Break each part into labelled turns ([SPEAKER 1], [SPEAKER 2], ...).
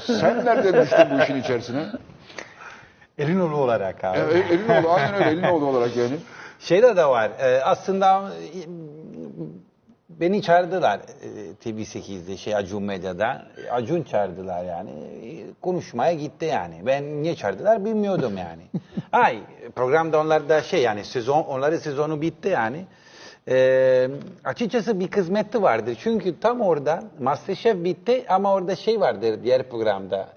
[SPEAKER 1] Sen nereden düştün bu işin içerisine?
[SPEAKER 2] Elinoğlu olarak abi.
[SPEAKER 1] Elinoğlu, aynen öyle. Elinoğlu olarak yani.
[SPEAKER 2] Şeyde de var. Aslında beni çağırdılar TV8'de, Acun Medya'da. Acun çağırdılar yani. Konuşmaya gitti yani. Ben niye çağırdılar bilmiyordum yani. Programda onlarda yani onların sezonu bitti yani. Açıkçası bir kısmeti vardır. Çünkü tam orada MasterChef bitti ama orada vardır diğer programda.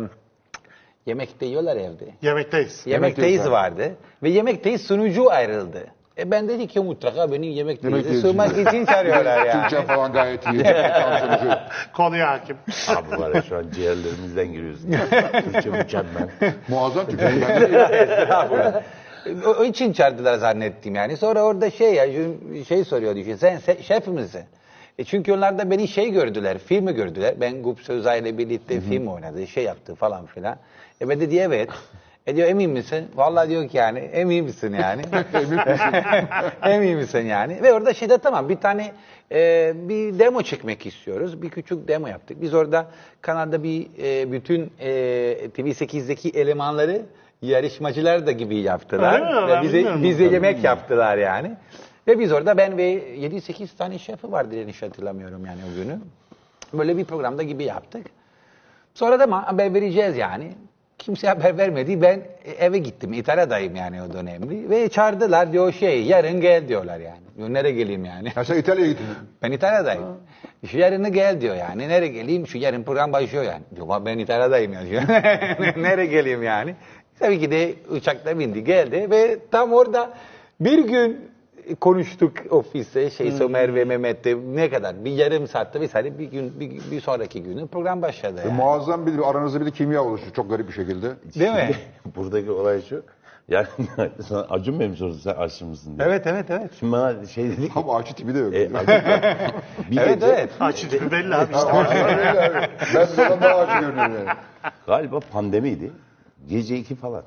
[SPEAKER 2] Yemekte yiyorlar evde. Yemekteyiz vardı. Ve Yemekteyiz sunucu ayrıldı. Ben dedi ki mutlaka beni Yemekteyiz sığmak için çağırıyorlar yani.
[SPEAKER 1] Türkçe falan gayet iyi.
[SPEAKER 3] Konuya hakim.
[SPEAKER 4] Abi var ya şu an ciğerlerimizden giriyorsun. Türkçe mükemmel.
[SPEAKER 1] Muazzam Türkçe.
[SPEAKER 2] O için çağırdılar zannettim yani. Sonra orada soruyordu. Sen şef misin? Çünkü onlar da beni gördüler, filmi gördüler. Ben Gup Sözay ile birlikte film oynadı, yaptı falan filan. Ben dedi evet. Diyor emin misin? Vallahi diyor ki yani emin misin yani? Emin misin yani? Ve orada tamam bir tane bir demo çekmek istiyoruz. Bir küçük demo yaptık. Biz orada kanalda bütün TV8'deki elemanları yarışmacılar da gibi yaptılar. Ve bize yemek yaptılar yani. Ve biz orada ben ve 7-8 tane şefi vardı yanlış hatırlamıyorum yani o günü. Böyle bir programda gibi yaptık. Sonra da haber vereceğiz yani. Kimse haber vermedi. Ben eve gittim. İtalya'dayım yani o dönemde. Ve çağırdılar diyor yarın gel diyorlar yani. Diyor, nereye geleyim yani?
[SPEAKER 1] Sen İtalya'ya gittin.
[SPEAKER 2] Ben İtalya'dayım. Yarın gel diyor yani. Nereye geleyim? Yarın program başlıyor yani. Diyor ben İtalya'dayım ya diyor. Nereye geleyim yani? Tabii ki de uçakta bindi geldi ve tam orada bir gün konuştuk ofiste Somer ve Mehmet'te ne kadar bir yarım saatte vesaire bir sonraki günü program başladı. Yani.
[SPEAKER 1] Muazzam aranızda bir kimya oluştu çok garip bir şekilde.
[SPEAKER 2] Değil mi?
[SPEAKER 4] Buradaki olay şu. Yani sana Acun Bey mi sordu sen aşçı mısın diye.
[SPEAKER 2] Evet.
[SPEAKER 4] Şimdi bana dedik.
[SPEAKER 1] Ama aşçı tipi de yok.
[SPEAKER 2] Evet.
[SPEAKER 3] Aşçı tipi belli abi işte.
[SPEAKER 1] Ben sana daha aşçı görünüyorum yani.
[SPEAKER 4] Galiba pandemiydi. Gece 2 falan.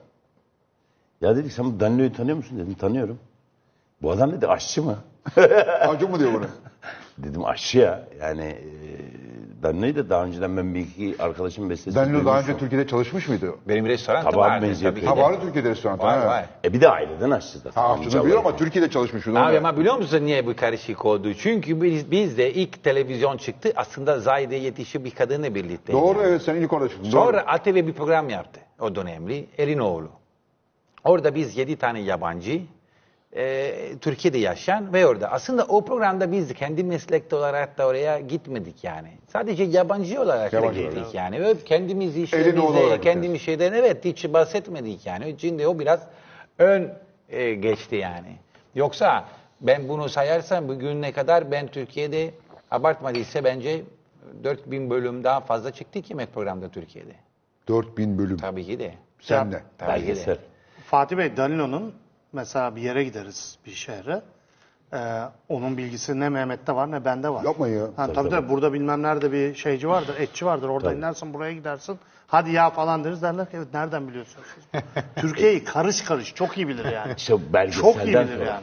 [SPEAKER 4] Ya dedik sen bu Danlo'yu tanıyor musun dedim. Tanıyorum. Bu adam dedi aşçı mı?
[SPEAKER 1] Acun mu diyor bunu?
[SPEAKER 4] Dedim aşçı ya. Yani Danlo'yu da daha önceden ben bir iki arkadaşım beslesi.
[SPEAKER 1] Danilo daha önce Türkiye'de çalışmış mıydı?
[SPEAKER 2] Benim restoranım
[SPEAKER 4] Tabağı
[SPEAKER 2] vardı
[SPEAKER 4] benziyor.
[SPEAKER 2] tabii ki.
[SPEAKER 1] Ha
[SPEAKER 2] de.
[SPEAKER 1] vardı Türkiye'de restoran.
[SPEAKER 2] Var.
[SPEAKER 4] Bir de aileden aşçı zaten.
[SPEAKER 1] Aşçını biliyor ama Türkiye'de çalışmış.
[SPEAKER 2] Abi ama biliyor musun niye bu karışık oldu? Çünkü biz de ilk televizyon çıktı. Aslında Zahide yetişi bir kadınla birlikte.
[SPEAKER 1] Doğru evet sen ilk orada çıktın.
[SPEAKER 2] Sonra ATV bir program yaptı o dönemli. Elinoğlu. Orada biz 7 tane yabancı Türkiye'de yaşayan ve orada. Aslında o programda biz kendi meslekte olarak da oraya gitmedik yani. Sadece yabancı olarak gittik yani. Ve kendimiz işlerimizde, kendimiz şeyden hiç bahsetmedik yani. Şimdi o biraz ön geçti yani. Yoksa ben bunu sayarsam bugüne kadar ben Türkiye'de abartmadıysa bence 4000 bölüm daha fazla çıktı ki yemek programda Türkiye'de.
[SPEAKER 1] 4000 bölüm.
[SPEAKER 2] Tabii ki de.
[SPEAKER 1] Sen de.
[SPEAKER 2] Tabii ki de.
[SPEAKER 3] Fatih Bey, Danino'nun mesela bir yere gideriz bir şehre. Onun bilgisi ne Mehmet'te var ne bende var.
[SPEAKER 1] Yapma ya.
[SPEAKER 3] Tabii burada bilmem nerede bir şeyci vardır, etçi vardır. Orada inersin buraya gidersin. Hadi ya falan deriz derler ki evet nereden biliyorsunuz siz? Türkiye'yi karış karış çok iyi bilir yani.
[SPEAKER 4] İşte
[SPEAKER 3] Çok iyi
[SPEAKER 4] belgeselden
[SPEAKER 3] bilir
[SPEAKER 4] sonra.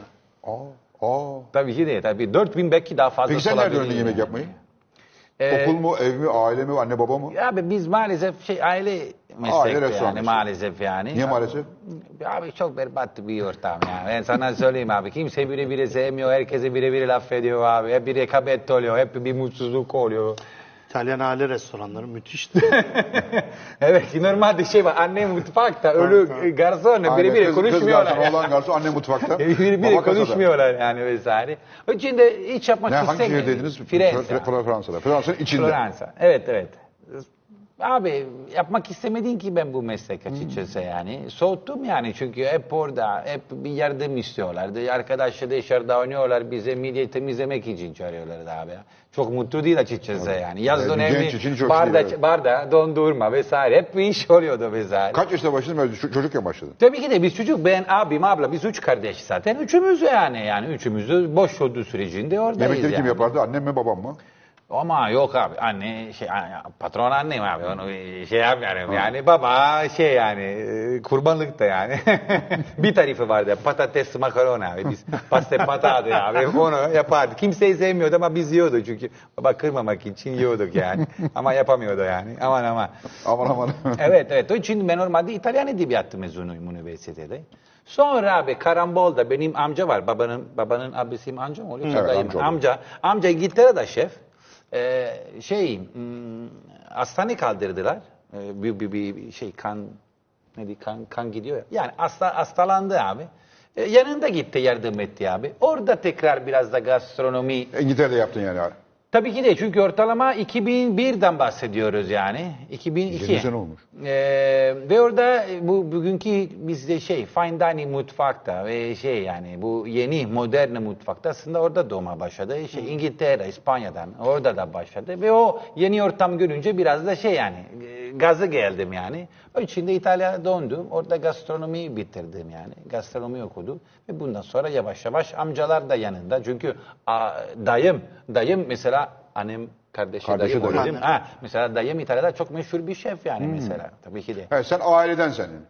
[SPEAKER 3] yani.
[SPEAKER 2] Tabii ki de. Tabii 4000 belki daha fazla.
[SPEAKER 1] Peki sen nerede öğrendin yemek yapmayı? Okul mu, ev mi, aile mi, anne baba mı?
[SPEAKER 2] Abi biz maalesef aile meslekte
[SPEAKER 1] restoran
[SPEAKER 2] yani
[SPEAKER 1] işte.
[SPEAKER 2] maalesef yani.
[SPEAKER 1] Niye maalesef?
[SPEAKER 2] Abi çok berbat bir ortam yani. Ben sana söyleyeyim abi. Kimse birbiri sevmiyor. Herkese birebir laf ediyor abi. Hep bir rekabet oluyor. Hep bir mutsuzluk oluyor.
[SPEAKER 3] İtalyan aile restoranları müthiş.
[SPEAKER 2] Evet normalde var. Anne mutfakta ölü garson birbiri konuşmuyorlar.
[SPEAKER 1] Kız garson, oğlan garson, anne mutfakta.
[SPEAKER 2] Birbiri
[SPEAKER 1] baba kasada.
[SPEAKER 2] konuşmuyorlar yani vesaire. O için de hiç yapmak
[SPEAKER 1] Hangi
[SPEAKER 2] istemiyorum.
[SPEAKER 1] şehirdeydiniz?
[SPEAKER 2] Firenze.
[SPEAKER 1] Fransa'da. Fransa'nın içinde.
[SPEAKER 2] Fransa. Evet. Abi yapmak istemedin ki ben bu meslek açıkçası yani. Soğuttum yani çünkü hep orada, hep bir yardım istiyorlardı. Arkadaşlar dışarıda oynuyorlar, bize midye temizlemek için çağırıyorlardı abi. Çok mutlu değil açıkçası yani. Yaz dönemi barda, dondurma vesaire hep bir iş oluyordu vesaire.
[SPEAKER 1] Kaç yaşında başladın? Böyle çocukken başladın.
[SPEAKER 2] Tabii ki de biz çocuk, ben abim, abla, biz 3 kardeş zaten. Üçümüz yani. Yani üçümüz de boş olduğu sürecinde oradayız
[SPEAKER 1] Yemekleri kim
[SPEAKER 2] yani.
[SPEAKER 1] yapardı? Annem mi babam mı?
[SPEAKER 2] Ama yok abi anne patron annem abi onu şey yapmıyorum yani baba kurbanlık da yani bir tarifi vardı patates makarona abi biz pasta patate abi onu yapardı kimseyi sevmiyordu ama biz yiyorduk çünkü baba kırmamak için yiyorduk yani ama yapamıyordu yani aman.
[SPEAKER 1] Aman.
[SPEAKER 2] Evet. O için ben normalde İtalyan edebiyatı mezunuyum üniversitede. Sonra abi karambolda benim amca var. Babanın abisi amca mı oluyor?
[SPEAKER 1] Evet,
[SPEAKER 2] Dayım.
[SPEAKER 1] amca
[SPEAKER 2] Amca İngiltere'de şef. Hastane kaldırdılar. Bir kan gidiyor ya. Yani hastalandı abi. Yanında gitti yardım etti abi. Orada tekrar biraz da gastronomi.
[SPEAKER 1] İngiltere'de yaptın yani.
[SPEAKER 2] Tabii ki de çünkü ortalama 2001'den bahsediyoruz yani. 2002.
[SPEAKER 1] 20 sene olmuş.
[SPEAKER 2] Ve orada bugünkü bizde fine dining mutfakta ve yani bu yeni modern mutfakta aslında orada doğma başladı. İngiltere, İspanya'dan orada da başladı ve o yeni ortam görünce biraz da gazı geldim yani. O için de İtalya'ya döndüm. Orada gastronomi bitirdim yani. Gastronomi okudum ve bundan sonra yavaş yavaş amcalar da yanında. Çünkü dayım mesela annem kardeşi dayım
[SPEAKER 1] dayı.
[SPEAKER 2] mesela dayım İtalya'da çok meşhur bir şef yani mesela tabii ki de.
[SPEAKER 1] Sen aileden senin.